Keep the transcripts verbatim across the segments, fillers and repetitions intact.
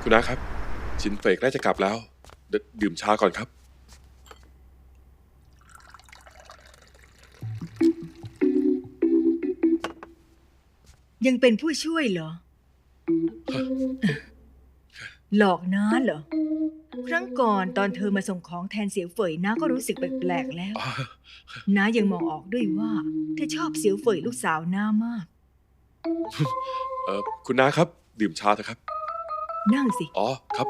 คุณน้าครับชินเฟยใกล้จะกลับแล้วเดดื่มชาก่อนครับยังเป็นผู้ช่วยเหรอ หลอกน้าเหรอ ครั้งก่อนตอนเธอมาส่งของแทนเสียวเฟยน้าก็รู้สึกแปลกๆแล้วน้ายังมองออกด้วยว่าเธอชอบเสียวเฟยลูกสาวน้ามากเออคุณน้าครับดื่มชาเถอะครับนั่งสิอ๋อครับ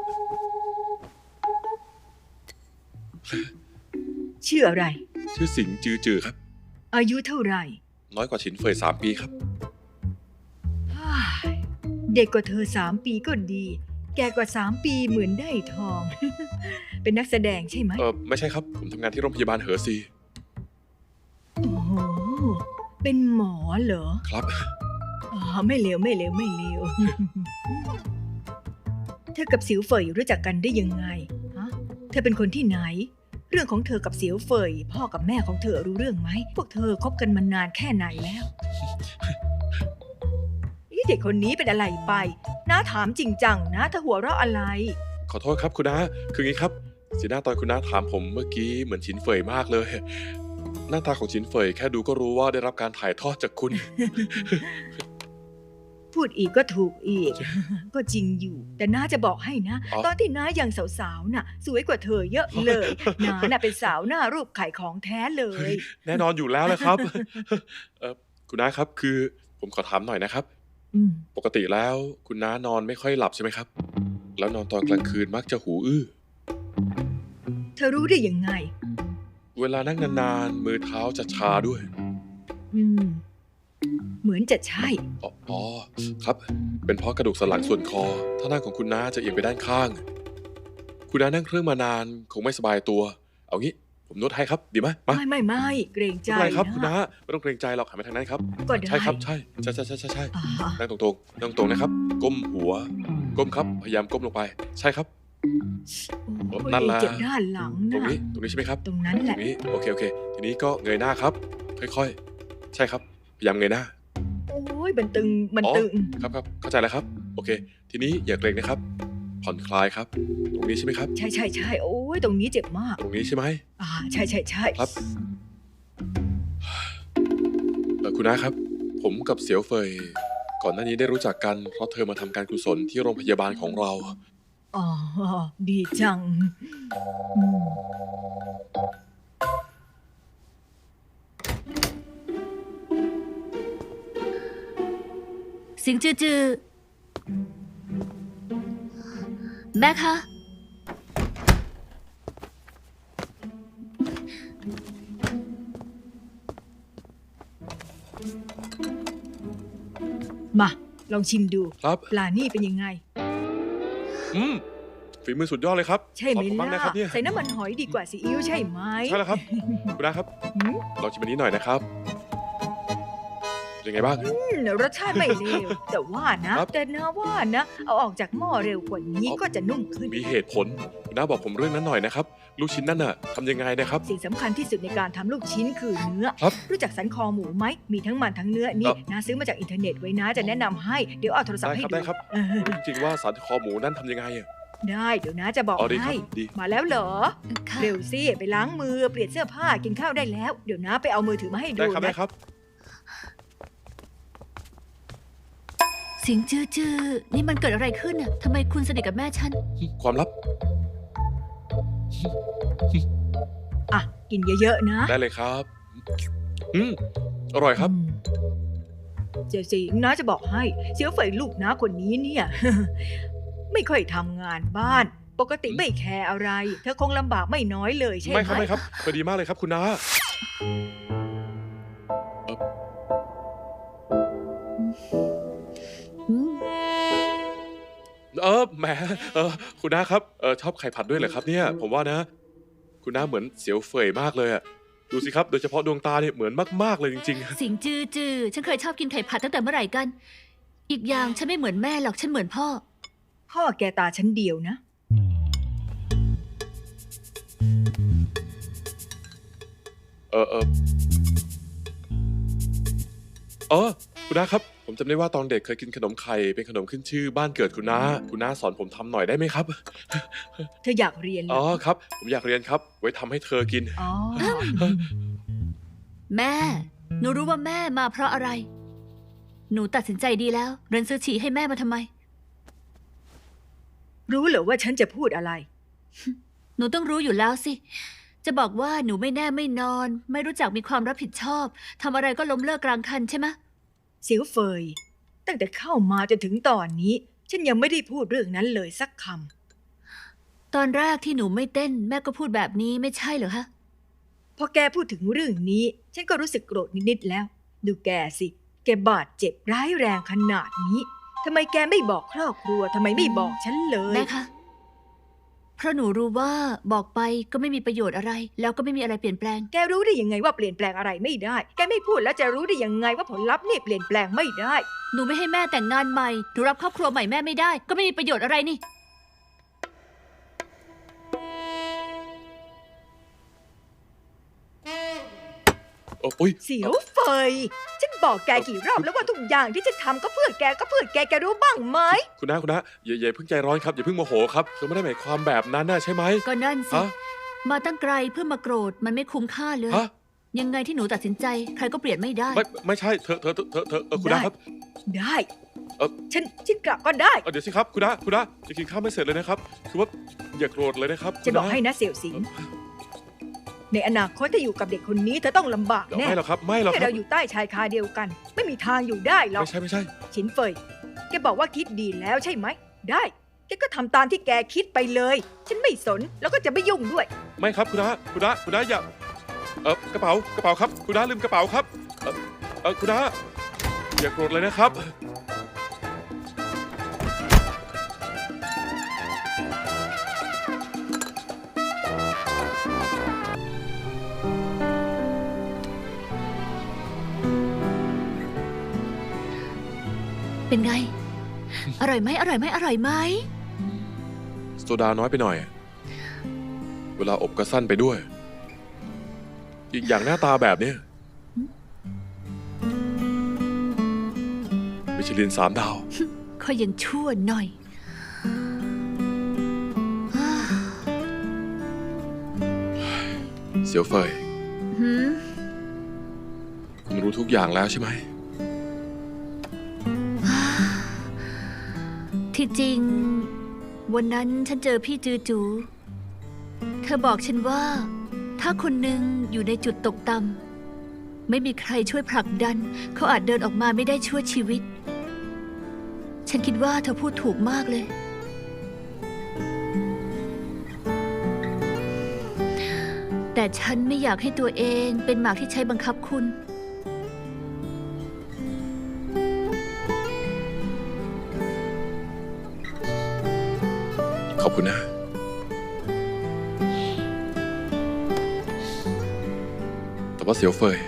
ชื่ออะไรชื่อสิงจือจือครับอายุเท่าไหร่น้อยกว่าชินเฟยสามปีครับฮ่าเด็กกว่าเธอสามปีก็ดี แก่กว่าสามปีเหมือนได้ทอง เป็นนักแสดงใช่ไหมเออไม่ใช่ครับผมทำงานที่โรงพยาบาลเหอซีโอ้โหเป็นหมอเหรอครับอ๋อไม่เลวไม่เลวไม่เลว เธอกับเสียวเฟยรู้จักกันได้ยังไงฮะเธอเป็นคนที่ไหน เรื่องของเธอกับเสียวเฟยพ่อกับแม่ของเธอรู้เรื่องไหมพวกเธอคบกันมานานแค่ไหนแล้วนี่เด็กคนนี้เป็นอะไรไปน้าถามจริงจังนะเธอหัวเราะอะไรขอโทษครับคุณน้าคืองี้ครับสีหน้าตอนคุณน้าถามผมเมื่อกี้เหมือนชินเฟยมากเลยหน้าตาของชินเฟยแค่ดูก็รู้ว่าได้รับการถ่ายทอดจากคุณพูดอีกก็ถูกอีก ก็จริงอยู่ แต่น้าจะบอกให้นะอ๋อตอนที่น้ายังสาวๆน่ะ สวยกว่าเธอเยอะเลย น้าน่ะเป็นสาวหน้ารูปไข่ของแท้เลยแน่นอนอยู่แล้วเลยครับ เออคุณน้าครับคือผมขอถามหน่อยนะครับอืมปกติแล้วคุณน้านอนไม่ค่อยหลับใช่ไหมครับ แล้วนอนตอนกลางคืนมักจะหูอื้อเธอรู้ได้ยังไงเวลานั่งนานๆมือเท้าจะชาด้วยอืม เหมือนจะใช่อ๋ออ๋อครับ เป็นเพราะกระดูกสันหลังส่วนคอท่านั่งของคุณน้าจะเอียงไปด้านข้าง คุณน้านั่งเครื่องมานานคงไม่สบายตัว เอางี้ผมนวดให้ครับดีไหมมาไม่ไม่ไม่เกรงใจไม่เป็นไรครับนะคุณน้าไม่ต้องเกรงใจหรอกหันไปทางนั้นครับก็ได้ใช่ครับใช่ใช่ใช่ใช่ใช่ใช่อ่านั่งตรงๆนั่งตรงนะครับ ก้มหัว ก้มครับ พยายามก้มลงไป ใช่ครับโอ้นั่นแหยละเจ็บด้านหลังตรงนะนี้ ตรงนี้ใช่ไหมครับตรงนั้นแหตรละงนี้ โอเค โอเค ทีนี้ก็เงยหน้าครับ ค่อยๆ ใช่ครับ พยายามเงยหน้าโอ้ยมันตึงมันอ๋อตึงครับครับ เข้าใจแล้วครับ โอเค ทีนี้อย่าเกรงนะครับ ผ่อนคลายครับ ตรงนี้ใช่ไหมครับใช่ใช่ใช่โอ้ยตรงนี้เจ็บมากตรงนี้ใช่ไหมอ่าใช่ใช่ใช่ครับ เออคุณน้าครับ ผมกับเสียวเฟย ก่อนหน้านี้ได้รู้จักกันเพราะเธอมาทำการกุศลที่โรงพยาบาลของเราอ๋อดีจังอืมสิงจือจือแม่คะมาลองชิมดูครับปลานี่เป็นยังไงอืมฝีมือสุดยอดเลยครับใช่ไหมขอบคุณมากล่ะนะครับเนี่ยใส่น้ำมันหอยดีกว่าซีอิ๊วใช่ไหมใช่แล้วครับ คุณน้าครับหืมลองชิมอันนี้หน่อยนะครับเป็นยังไงบ้างอืมรสชาติไม่เลว แต่ว่านะครับแต่นะว่านะ เอาออกจากหม้อเร็วกว่านี้อ๋อก็จะนุ่มขึ้นมีเหตุผลคุณน้าบอกผมเรื่องนั้นหน่อยนะครับ ลูกชิ้นนั่นน่ะทำยังไงนะครับสิ่งสำคัญที่สุดในการทำลูกชิ้นคือเนื้อครับรู้จักสันคอหมูไหม มีทั้งมันทั้งเนื้อคนี่รับนะซื้อมาจากอินเทอร์เน็ตไว้นะ จะแนะนำให้ เดี๋ยวเอาโทรศัพได้ท์ให้ครับดูได้ครับเออจริงๆว่าสันคอหมูนั่นทำยังไงอะได้เดี๋ยวนะจะบอกอ๋อดีครัให้บดีมาแล้วเหรอค่ะเร็วสิ ไปล้างมือ เปลี่ยนเสื้อผ้า กินข้าวได้แล้ว เดี๋ยวนะไปเอามือถือมาให้ดูได้ครับนะได้ครับสิงจือจือนี่มันเกิดอะไรขึ้นน่ะทำไมคุณสนิทกับแม่ฉันความลับอ่ะ กินเยอะๆนะได้เลยครับ อืมอร่อยครับอืมเจสิงนะจะบอกให้เสียวเฟยลูกนะคนนี้เนี่ย ไม่ค่อยทำงานบ้าน ปกติไม่แคร์อะไร เธอคงลำบากไม่น้อยเลยใช่ไหมไม่ครับไม่ครับพอดีมากเลยครับคุณน้าเอ่ออืมเออแหมเออคุณน้าครับเออชอบไข่ผัดด้วยเหรอครับเนี่ย ผมว่านะ คุณน้าเหมือนเสียวเฟยมากเลยอะดูสิครับ โดยเฉพาะดวงตาเนี่ยเหมือนมากๆเลยจริงสิงจือจือฉันเคยชอบกินไข่ผัดตั้งแต่เมื่อไหร่กัน อีกอย่างฉันไม่เหมือนแม่หรอกฉันเหมือนพ่อพ่อแกตาชั้นเดียวนะๆ เออเออเออคุณน้าครับผมจำได้ว่าตอนเด็กเคยกินขนมไข่เป็นขนมขึ้นชื่อบ้านเกิดคุณน้าคุณน้าสอนผมทำหน่อยได้ไหมครับเธออยากเรียนเหรอ๋ออครับ ผมอยากเรียนครับ ไว้ทำให้เธอกินอ๋อแม่ หนูรู้ว่าแม่มาเพราะอะไร หนูตัดสินใจดีแล้ว เรนซื้อฉี่ให้แม่มาทำไมรู้เหรอว่าฉันจะพูดอะไรหนูต้องรู้อยู่แล้วสิ จะบอกว่าหนูไม่แน่ไม่นอน ไม่รู้จักมีความรับผิดชอบทำอะไรก็ล้มเลิกกลางคันใช่ไหมเสียวเฟย ตั้งแต่เข้ามาจนถึงตอนนี้ ฉันยังไม่ได้พูดเรื่องนั้นเลยสักคตอนแรกที่หนูไม่เต้น แม่ก็พูดแบบนี้ไม่ใช่เหรอคะำพอแกพูดถึงเรื่องนี้ ฉันก็รู้สึกโกรธนิดๆแล้ว ดูแกสิ แกบาดเจ็บร้ายแรงขนาดนี้ทำไมแกไม่บอกครอบครัวทำไมไม่บอกฉันเลยแม่คะ เพราะหนูรู้ว่าบอกไปก็ไม่มีประโยชน์อะไร แล้วก็ไม่มีอะไรเปลี่ยนแปลงแกรู้ได้ยังไงว่าเปลี่ยนแปลงอะไรไม่ได้ แกไม่พูดแล้วจะรู้ได้ยังไงว่าผลลัพธ์นี่เปลี่ยนแปลงไม่ได้หนูไม่ให้แม่แต่งงานใหม่ หนูรับครอบครัวใหม่แม่ไม่ได้ ก็ไม่มีประโยชน์อะไรนี่โอ้ยเสียวเฟย ฉันบอกแกกี่รอบแล้วว่าทุกอย่างที่ฉันทำก็เพื่อแกก็เพื่อแกแกรู้บ้างไหมคุณน้าคุณน้าอย่าอย่าเพิ่งใจร้อนครับ อย่าเพิ่งโมโหครับเธอไม่ได้หมายความแบบนั้นนะใช่ไหมก็นั่นสิฮะมาตั้งไกลเพื่อมาโกรธมันไม่คุ้มค่าเลยฮะยังไงที่หนูตัดสินใจ ใครก็เปลี่ยนไม่ได้ไม่ไม่ใช่เธอเธอเธอเธอเธอเออคุณน้าครับได้เอ่อฉันฉันกลับก็ได้เออเดี๋ยวสิครับคุณน้าคุณน้าจะกินข้าวไม่เสร็จเลยนะครับ คือว่าอย่าโกรธเลยนะครับจะบอกให้นะเสี่ยวสิง ในอนาคตถ้าอยู่กับเด็กคนนี้เธอต้องลำบากเดี๋ยวแน่ไม่หรอกครับไม่หรอกแค่ครับเราอยู่ใต้ชายคาเดียวกัน ไม่มีทางอยู่ได้หรอกไม่ใช่ไม่ใช่ฉินเฟย แกบอกว่าคิดดีแล้วใช่ไหม ได้ แกก็ทำตามที่แกคิดไปเลย ฉันไม่สนแล้วก็จะไม่ยุ่งด้วยไม่ครับคุณน้าคุณน้าคุณน้าอย่าเออกระเป๋ากระเป๋าครับคุณน้าลืมกระเป๋าครับเออเออคุณน้าอย่าโกรธเลยนะครับเป็นไง อร่อยไหมอร่อยไหมอร่อยไหมโซดาน้อยไปหน่อย เวลาอบก็สั้นไปด้วย อีกอย่างหน้าตาแบบเนี้ยมิชลินสามดาวค่อยยังชั่วหน่อยเสียวเฟยหืมคุณรู้ทุกอย่างแล้วใช่ไหมที่จริง วันนั้นฉันเจอพี่จือจู เธอบอกฉันว่า ถ้าคนหนึ่งอยู่ในจุดตกต่ำไม่มีใครช่วยผลักดัน เขาอาจเดินออกมาไม่ได้ชั่วชีวิต ฉันคิดว่าเธอพูดถูกมากเลย แต่ฉันไม่อยากให้ตัวเองเป็นหมากที่ใช้บังคับคุณขอบคุณนะ แต่ว่าเสียวเฟย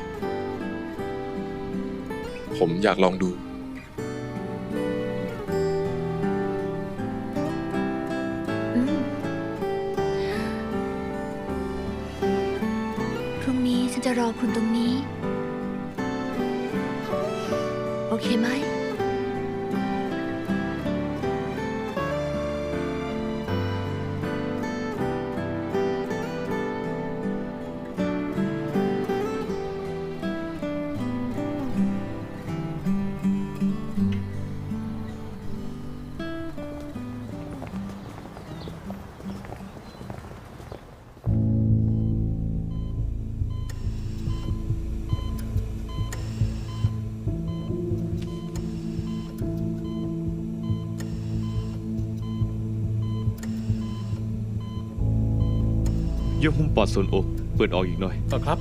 ผมอยากลองดูอืมพรุ่งนี้ฉันจะรอคุณตรงนี้ โอเคไหมเยื่อหุ้มปอดส่วนอกเปิดออกอีกหน่อยครับ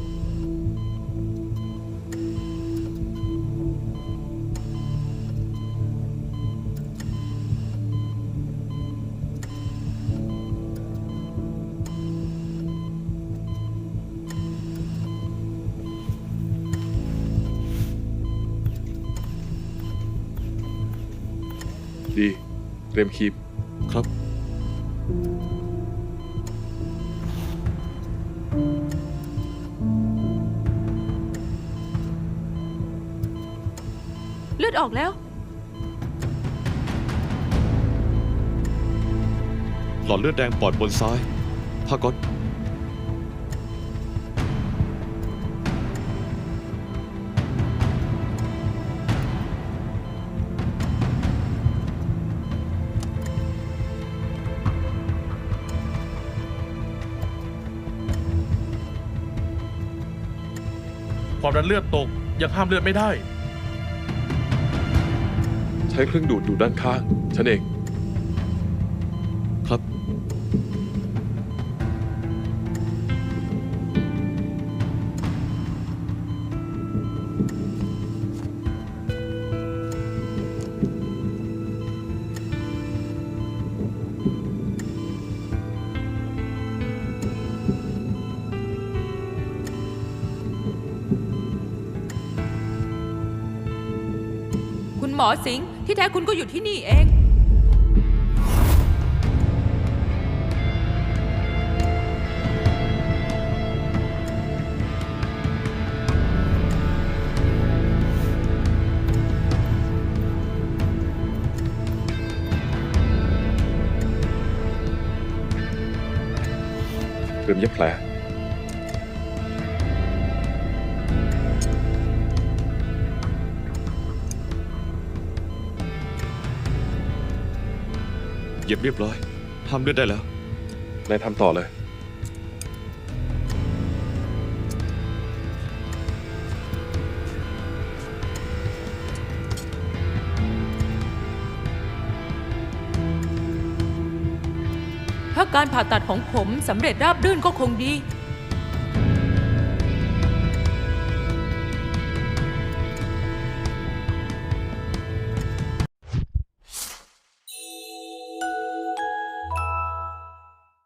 ดี เตรียมคีบครับอเลือดออกแล้วหลอดเลือดแดงปอดบนซ้ายผ้าก๊อตความดันเลือดตกยังห้ามเลือดไม่ได้ใช้เครื่องดูดดูดด้านข้าง ฉันเองครับคุณหมอสิงห์ที่แท้คุณก็อยู่ที่นี่เองเตรียมเย็บแผลเย็บเรียบร้อยห้ามเลือดได้แล้วนายทำต่อเลยถ้าการผ่าตัดของผมสำเร็จราบรื่นก็คงดี